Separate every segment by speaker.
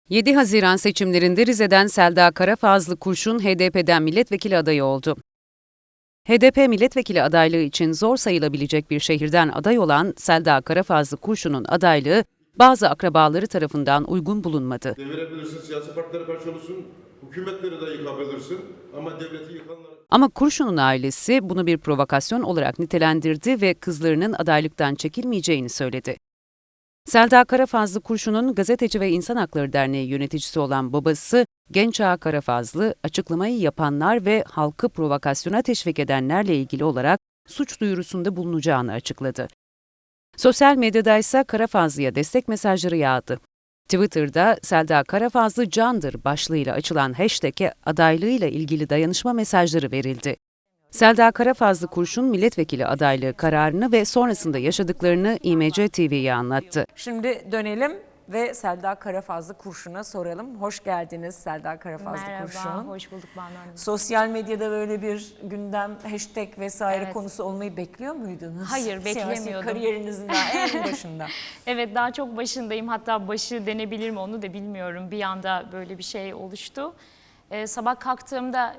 Speaker 1: 7 Haziran seçimlerinde Rize'den Selda Karafazlı Kurşun HDP'den milletvekili adayı oldu. HDP milletvekili adaylığı için zor sayılabilecek bir şehirden aday olan Selda Karafazlı Kurşun'un adaylığı bazı akrabaları tarafından uygun bulunmadı.
Speaker 2: Devirebilirsin, siyasi partilere karşı olursun, hükümetleri de yıkabilirsin ama devleti yıkanlar...
Speaker 1: Ama Kurşun'un ailesi bunu bir provokasyon olarak nitelendirdi ve kızlarının adaylıktan çekilmeyeceğini söyledi. Selda Karafazlı Kurşun'un Gazeteci ve İnsan Hakları Derneği yöneticisi olan babası Genç Ağa Karafazlı, açıklamayı yapanlar ve halkı provokasyona teşvik edenlerle ilgili olarak suç duyurusunda bulunacağını açıkladı. Sosyal medyada ise Karafazlı'ya destek mesajları yağdı. Twitter'da Selda Karafazlı candır başlığıyla açılan hashtag'e adaylığıyla ilgili dayanışma mesajları verildi. Selda Karafazlı Kurşun milletvekili adaylığı kararını ve sonrasında yaşadıklarını İMC TV'ye anlattı.
Speaker 3: Şimdi dönelim ve Selda Karafazlı Kurşun'a soralım. Hoş geldiniz Selda Karafazlı Kurşun.
Speaker 4: Merhaba, hoş bulduk Banu Hanım.
Speaker 3: Sosyal medyada böyle bir gündem, hashtag vesaire
Speaker 4: Evet.
Speaker 3: konusu olmayı bekliyor muydunuz?
Speaker 4: Hayır, beklemiyordum.
Speaker 3: Siyasi kariyerinizin daha en başında.
Speaker 4: Evet, daha çok başındayım. Hatta başı denebilir mi onu da bilmiyorum. Bir anda böyle bir şey oluştu. Sabah kalktığımda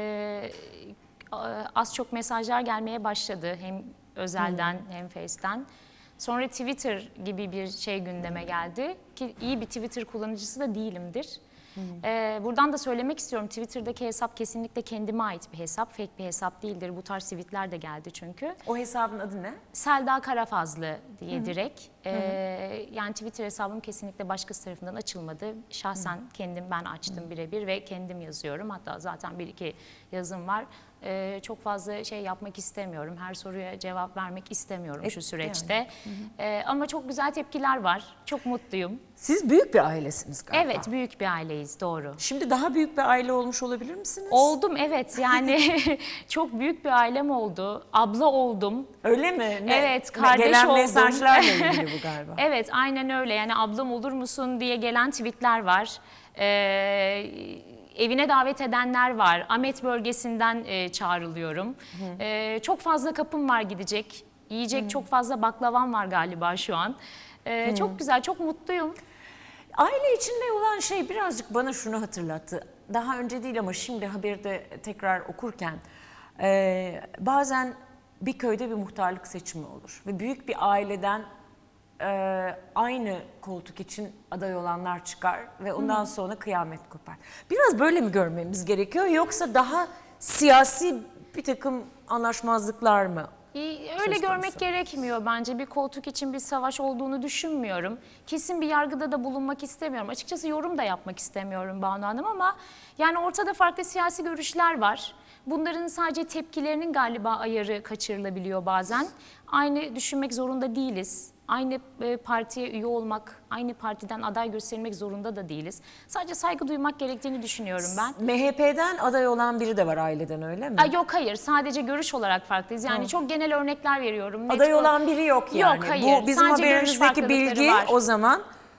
Speaker 4: az çok mesajlar gelmeye başladı. Hem özelden hem Face'ten. Sonra Twitter gibi bir şey gündeme geldi. Ki iyi bir Twitter kullanıcısı da değilimdir. Buradan da söylemek istiyorum. Twitter'daki hesap kesinlikle kendime ait bir hesap. Fake bir hesap değildir. Bu tarz tweetler de geldi çünkü.
Speaker 3: O hesabın adı ne?
Speaker 4: Selda Karafazlı diye direkt. Yani Twitter hesabım kesinlikle başkası tarafından açılmadı. Şahsen kendim ben açtım birebir ve kendim yazıyorum. Hatta zaten bir iki yazım var. Çok fazla şey yapmak istemiyorum. Her soruya cevap vermek istemiyorum şu süreçte. Ama çok güzel tepkiler var. Çok mutluyum.
Speaker 3: Siz büyük bir ailesiniz galiba.
Speaker 4: Evet, büyük bir aileyiz, doğru.
Speaker 3: Şimdi daha büyük bir aile olmuş olabilir misiniz?
Speaker 4: Oldum, evet. Yani çok büyük bir ailem oldu. Abla oldum.
Speaker 3: Öyle mi?
Speaker 4: Evet, kardeş
Speaker 3: gelen
Speaker 4: oldum.
Speaker 3: mesajlarla ilgili bu galiba.
Speaker 4: Evet, aynen öyle. Yani ablam olur musun diye gelen tweetler var. Evine davet edenler var. Ahmet bölgesinden çağrılıyorum. Çok fazla kapım var gidecek. Yiyecek çok fazla baklavam var galiba şu an. Çok güzel, çok mutluyum.
Speaker 3: Aile içinde olan şey birazcık bana şunu hatırlattı. Daha önce değil ama şimdi haberde tekrar okurken bazen bir köyde bir muhtarlık seçimi olur. Ve büyük bir aileden aynı koltuk için aday olanlar çıkar ve ondan sonra kıyamet kopar. Biraz böyle mi görmemiz gerekiyor yoksa daha siyasi bir takım anlaşmazlıklar mı?
Speaker 4: Öyle görmek gerekmiyor bence. Bir koltuk için bir savaş olduğunu düşünmüyorum. Kesin bir yargıda da bulunmak istemiyorum. Açıkçası yorum da yapmak istemiyorum Banu Hanım ama yani ortada farklı siyasi görüşler var. Bunların sadece tepkilerinin galiba ayarı kaçırılabiliyor bazen. Aynı düşünmek zorunda değiliz. Aynı partiye üye olmak, aynı partiden aday gösterilmek zorunda da değiliz. Sadece saygı duymak gerektiğini düşünüyorum ben.
Speaker 3: MHP'den aday olan biri de var aileden, öyle mi?
Speaker 4: Yok, hayır, sadece görüş olarak farklıyız. Yani çok genel örnekler veriyorum.
Speaker 3: Aday olan biri yok yani.
Speaker 4: Yok, hayır.
Speaker 3: Bu bizim
Speaker 4: Sadece görüş
Speaker 3: haberimizdeki bilgi
Speaker 4: farklılıkları var.
Speaker 3: o zaman.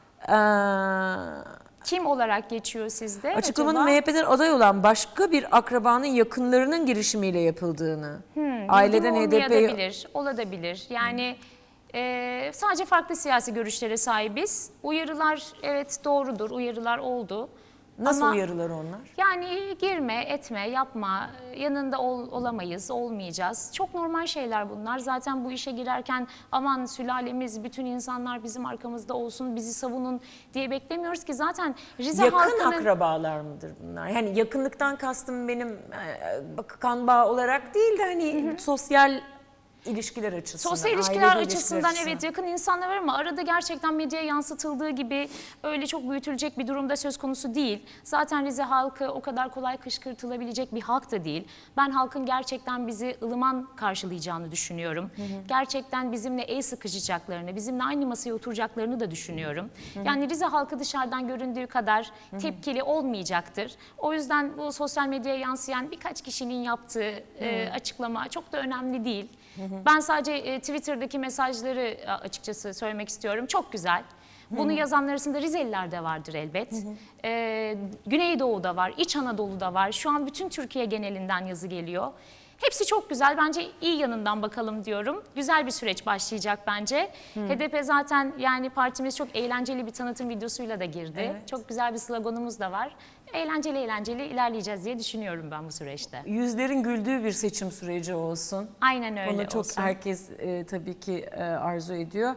Speaker 4: Kim olarak geçiyor sizde
Speaker 3: Açıklamanın
Speaker 4: acaba?
Speaker 3: MHP'den aday olan başka bir akrabanın yakınlarının girişimiyle yapıldığını. Aileden
Speaker 4: Bilgim
Speaker 3: HDP'yi...
Speaker 4: olmayabilir, olabilir. Yani sadece farklı siyasi görüşlere sahibiz. Uyarılar evet doğrudur, uyarılar oldu.
Speaker 3: Nasıl
Speaker 4: Ama
Speaker 3: uyarılar onlar?
Speaker 4: yani girme, etme, yapma, yanında olamayız, olmayacağız. Çok normal şeyler bunlar. Zaten bu işe girerken aman sülalemiz, bütün insanlar bizim arkamızda olsun, bizi savunun diye beklemiyoruz ki. Zaten Rize
Speaker 3: Yakın
Speaker 4: halkının...
Speaker 3: akrabalar mıdır bunlar? Yani yakınlıktan kastım benim kan bağı olarak değil de hani sosyal ilişkiler açısından.
Speaker 4: Sosyal ilişkiler
Speaker 3: ailevi
Speaker 4: açısından
Speaker 3: ilişkiler
Speaker 4: evet yakın insanlar var ama arada gerçekten medyaya yansıtıldığı gibi öyle çok büyütülecek bir durumda söz konusu değil. Zaten Rize halkı o kadar kolay kışkırtılabilecek bir halk da değil. Ben halkın gerçekten bizi ılıman karşılayacağını düşünüyorum. Gerçekten bizimle el sıkışacaklarını, bizimle aynı masaya oturacaklarını da düşünüyorum. Yani Rize halkı dışarıdan göründüğü kadar tepkili olmayacaktır. O yüzden bu sosyal medyaya yansıyan birkaç kişinin yaptığı açıklama çok da önemli değil. Ben sadece Twitter'daki mesajları açıkçası söylemek istiyorum. Çok güzel. Bunu yazanlar arasında Rizeliler de vardır elbet. Güneydoğu'da var, İç Anadolu'da var. Şu an bütün Türkiye genelinden yazı geliyor. Hepsi çok güzel. Bence iyi yanından bakalım diyorum. Güzel bir süreç başlayacak bence. HDP zaten yani partimiz çok eğlenceli bir tanıtım videosuyla da girdi.
Speaker 3: Evet.
Speaker 4: Çok güzel bir sloganımız da var. Eğlenceli ilerleyeceğiz diye düşünüyorum ben bu süreçte.
Speaker 3: Yüzlerin güldüğü bir seçim süreci olsun.
Speaker 4: Aynen öyle
Speaker 3: Bunu çok
Speaker 4: olsun.
Speaker 3: herkes tabii ki arzu ediyor.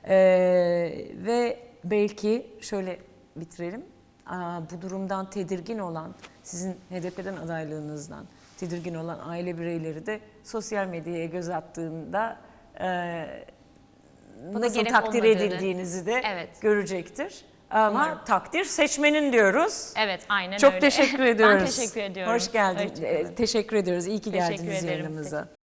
Speaker 3: Ve belki şöyle bitirelim. Bu durumdan tedirgin olan, sizin HDP'den adaylığınızdan tedirgin olan aile bireyleri de sosyal medyaya göz attığında nasıl
Speaker 4: gerek
Speaker 3: takdir
Speaker 4: olmadığını.
Speaker 3: edildiğinizi de
Speaker 4: Evet.
Speaker 3: görecektir. Ama
Speaker 4: Umarım.
Speaker 3: takdir seçmenin diyoruz.
Speaker 4: Evet, aynen
Speaker 3: Çok
Speaker 4: öyle.
Speaker 3: teşekkür ediyoruz.
Speaker 4: Ben teşekkür ediyorum.
Speaker 3: Hoş geldin.
Speaker 4: Hoşçakalın.
Speaker 3: Teşekkür ediyoruz. İyi ki
Speaker 4: Teşekkür
Speaker 3: geldiniz
Speaker 4: ederim.
Speaker 3: yayınımıza.